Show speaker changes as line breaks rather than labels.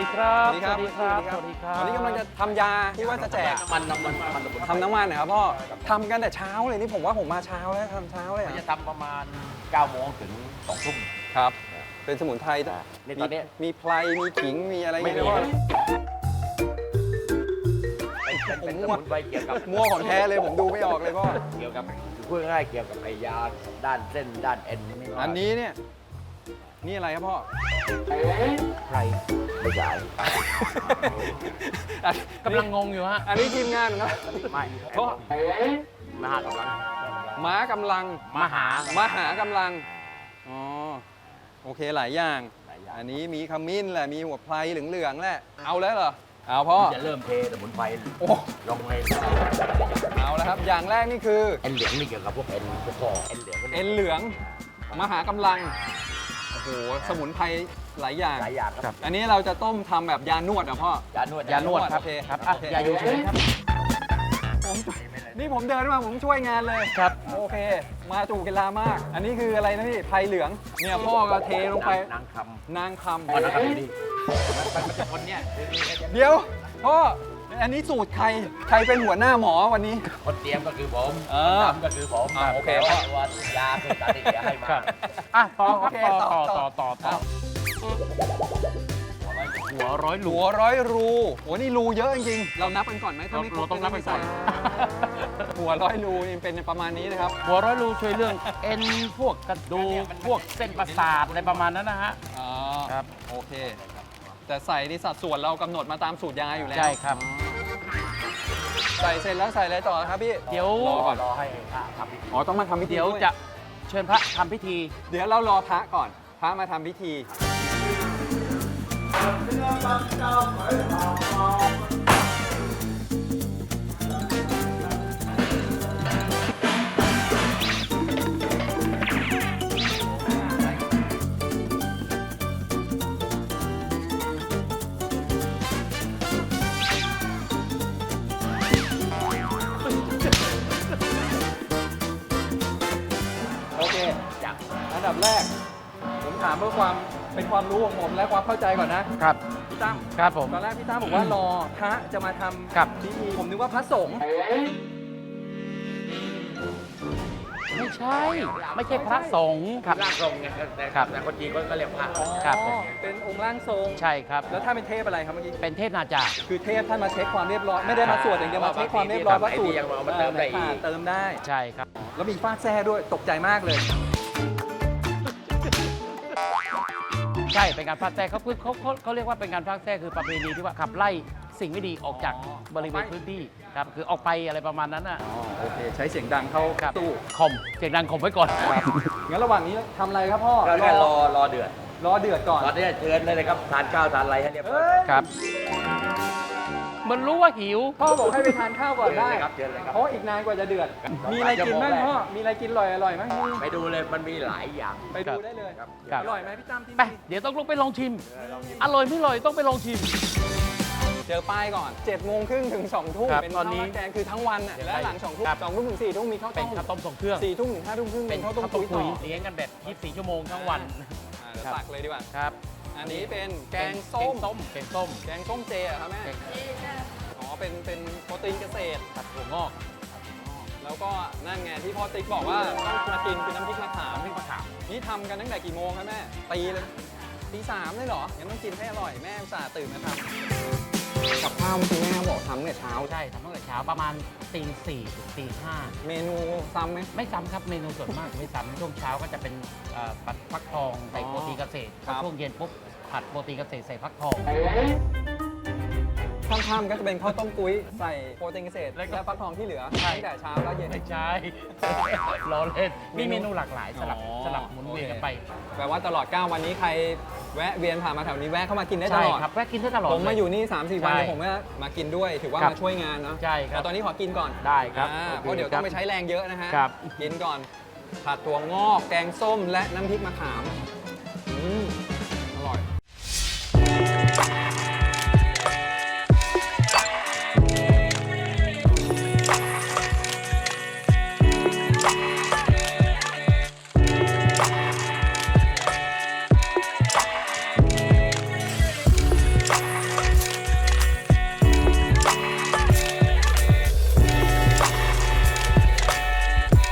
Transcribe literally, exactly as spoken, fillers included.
ครับ
สวัสดีครับ
สวัสดีครับสวัสดีครับ
วันนี้กำลังจะทำยาที่ว่าจะแจก
มันน้ำมันมัน
ทำน้ำมันนะครับพ่อทำกันแต่เช้าเลยนี่ผมว่าผมมาเช้าแล้วทำเช้าเลย
มัน
อะ
จะทำประมาณเก้าโมงถึงสองทุ่ม
ครับ เป็นสมุนไพร
นี่ตอนนี้
มีไพรมีขิงมีอะไร
ไม่มี
เงี้ยพ่อ
เป็นเป็นสมุนไพรเกี่ยวกับ
มั่วของแท้เลยผมดูไม่ออกเลยพ่อ
เกี่ยวกับพูดง่ายๆเกี่ยวกับไอ้ยาด้านเส้นด้านเอ็นนี่
อันนี้เนี่ยนี่อะไรครับพ่อ
ใครไม่ใช่
กำลังงงอยู่ฮะ
อันนี้ทีมงานครับ
ไม่
พ่อ
มหากำลัง
ม้ากำลัง
มหาม
หากำลังอ๋อโอเคหลายอย่าง
หลายอย่าง
อันนี้มีขมิ้นแหละมีหัวไพรเหลืองๆแหละเอาแล้วเหรอเอาพ่อ
จะเริ่มเทสมุนไพร
โอ้
ลงใน
เอาแล้วครับอย่างแรกนี่คือ
เอ็นเหลืองนี่เกี่ยวกับพวกเอ็นพวกคอเอ็นเหลือง
เอ็นเหลืองมหากำลังโอ้โหสมุนไพรหลายอย่าง
หลายอย่างครับ
อันนี้เราจะต้มทำแบบยานวดเหรอ่ะพ่อย
านวด
ยานวดครับ
โอเค
ครับอ่ะ
โอเค
ยาอยู่เฉยครับ
ผมนี่ผมเดินมาผมช่วยงานเลย
ครับ
โอเค มาจูเกลามาก อันนี้คืออะไรนะพี่ไพรเหลืองเนี่ยพ่อก็เทลงไป
นางคำ
นางค
อ๋อนางคำอยู่นี่คนเนี้ย
ำเดี๋ยวพ่ออันนี้สูตรใครใครเป็นหัวหน้าหมอวันนี้
คนเตรียมก็คือผม
เอ
คน
อ
ทำก็คือผม
อ่าโอเค
แต่ว่ายาคือตาเดียให้มา
ครับ อ่ะต่อครับ
โอเค
ต่อ
ต่
ต่
อ
อต่อต่อต่อหัวร้อยหลู
หัวร้อยรูโหนี่รูเยอะจริงๆเรานับกันก่อนไหมถ้า
เรา
ไม่ครบ
เราต้องนับไปก่อน
หัวร้อยรูนี่เป็นประมาณนี้นะครับ
หัวร้อยหลูช่วยเรื่องเอ็นพวกกระดูกพวกเส้นประสาทอะไรประมาณนั้นนะฮะ
อ๋อ
ครับ
โอเค แต่ใส่ในสัดส่วนเรากำหนดมาตามสูตรยาอยู่แล้ว
ใช่ครับ
ใส่เสร็จแล้วใส่อะไรต่อครับพี่
เดี๋ยว
รอก่อน
รอให้พระทำพิธี
อ๋อต้องมาทำพิธี
เดี๋ยว
ด้
จะเชิญพระทำพิธี
เดี๋ยวเรารอพระก่อน พระมาทำพิธี โอเค
จาก
อันดับแรก ผมถามเพื่อความเป็นความรู้ของผมและความเข้าใจก่อนนะครับ พี่ตั้ม
ครับผม
ตอนแรกพี่ตั้มบอกว่ารอพระจะมาทำ
ครับ
พิธีผมนึกว่าพระสงฆ์
ไม่ใช่ ไม่ใช่พระสงฆ์ครับ
ร่างทรงไงแต่
ครับ
แต่คนจีนก็เรียกพระ
ครับผม
เป็นองค์ร่างทรง
ใช่ครับ
แล้วถ้าเป็นเทพอะไรครับเมื่อกี้
เป็นเทพนาจา
คือเทพท่านมาเช็คความเรียบร้อยไม่ได้มาสวดอย่างเดียวมาเช็คความเรียบร้อยว่าสูตร
ยังเอามาเติมได้อีก
เติมได้
ใช่ครับ
แล้วมีฟาดแซ่ด้วยตกใจมากเลย
ใช่ เป็นการพากแทรกเขาเขาเขาเขาเรียกว่าเป็นการพากแทรกคือประเพณีที่ว่าขับไล่สิ่งไม่ดีออกจาก
อ๋อ
บริเวณพื้นที่ครับ คือออกไปอะไรประมาณนั้นน่ะ
อ๋อโอเคใช้เสียงดังเข้า
ครับ
ตู้
ข่มเสียงดังข่มไว้ก่อน
งั้นระหว่างนี้ทำอะไรครับพ่อ
ก็แค่รอรอเดือด
รอเดือดก่อน
ตอนนี้เชิญเลยนะครับทานข้าวทานอะไรให้เรียบร้อย
เอ้ย
ครับ มันรู้ว่าหิว
พ่อบอกให้ไปทานข้าวก่อนได้
เชิญเลยครับเชิญเลยครับ
เพราะอีกนานกว่าจะเดือด มีอะไรกินบ้างพ่อมีอะไรกินอร่อยอร่อยๆไหม
ไปดูเลยมันมีหลายอย่าง
ไปดูได้เลย
ครับ
ครับ
อร่อยไหมพี่ตั้มที่
ไป
นี่
เดี๋ยวต้องลงไปลองชิม อร่อยไม่อร่อยต้องไปลองชิม
เจอป้ายก่อน7จ็ดโมงครึ่งถึง2องทุ่ม
ครับ
เป็น
ต
ข้า
อ
วน
นี้
ราดแกงคือทั้งวันน่ะและหลังสองทุ่ม
ครับ
สองทุ่มถึงสี่ทุ่มมีข้าว
เป็
ต้
น
ม
ข้าวต้มทรงเครื่อง
สี่ทุ่มถึงห้าทุ่มครึ่ง
เป็
เป็น นข้าวต้ม
ข้าวต้
กุ้
ม
ย
คุ
ต่
ย
อ
เลี้ยงกันแบบยี่สิบสี่ชั่วโมงทั้งวัน
อ่าเดี๋ยว
ครับ
ตักเลยดีกว่า
ครับ
อันนี้เป็นแกง
แก
ส้ม
งส้มแกงส้ม
แกงส้มเจเหรอครับแม่
แกง
อ๋อเป็นเป็นโปรตีนเกษตร
ผัดถั่วงอก
แล้วก็นั่นไงที่พ่อติ๊กบอกว่าต้องมากินคือน้ำพริกมะขาม
น้ำพริกมะขาม
นี่ทำกันตั้งแต่กี่โมงครับแม่ตีเลยตีสามเลยเหรองั้นต้องกินให้อร่อยแม่อุตส่าห์ตื่นมาทำกับข้าวเมื่อกี้แม่บอกทำเนี่ยเช้า
ใช่ทำตั้งแต่เช้าประมาณตีสี่ถึงตีห้า
เมนูซ้ำไหม
ไม่ซ้ำครับเมนูส่วนมากไม่ซ้ำช่วงเช้าก็จะเป็นเอ่อผัดฟักทองใส่
อ๋อ
โปรตีนเกษตร
ครับ
ช่วงเย็นปุ๊บผัดโปรตีนเกษตรใส่ฟักทอง
ค่ำๆก็จะเป็นข้าวต้มกุ้ยใส่โปรตีนเกษตร
แล้
และ
วก็
ฟักทองที่เหลือ
ใช่
ตั้งแต่เช้าแล้วเย็น
ไม่ใช่ ล้อเล่นมี
เมนู
เมนูหลากหลายสลับ
อ๋อ
สลับหมุนเวียนกัน
โอเค
ไป
แปลว่าตลอด เก้า วันนี้ใครแวะเวียนผ่านมาแถวนี้แวะเข้ามากินได้ต
ใช่
ลอด
ครับแวะกินได้ตลอด
ผมมา
เล
อยู่นี่ สามสี่ วัน
ใช่
เนี่ยผมก็มากินด้วย ถือว่า
ครับ
มาช่วยงานเนาะ
ใช่ครับ
แต่ตอนนี้ขอกินก่อน
ได้ครับ
อ่า
โอเค
เพราะเดี๋ยวต้องไป
ครับ
ใช้แรงเยอะนะฮะ
ครับ
กินก่อน ผัดถั่วงอก แกงส้ม และน้ำพริกมะขาม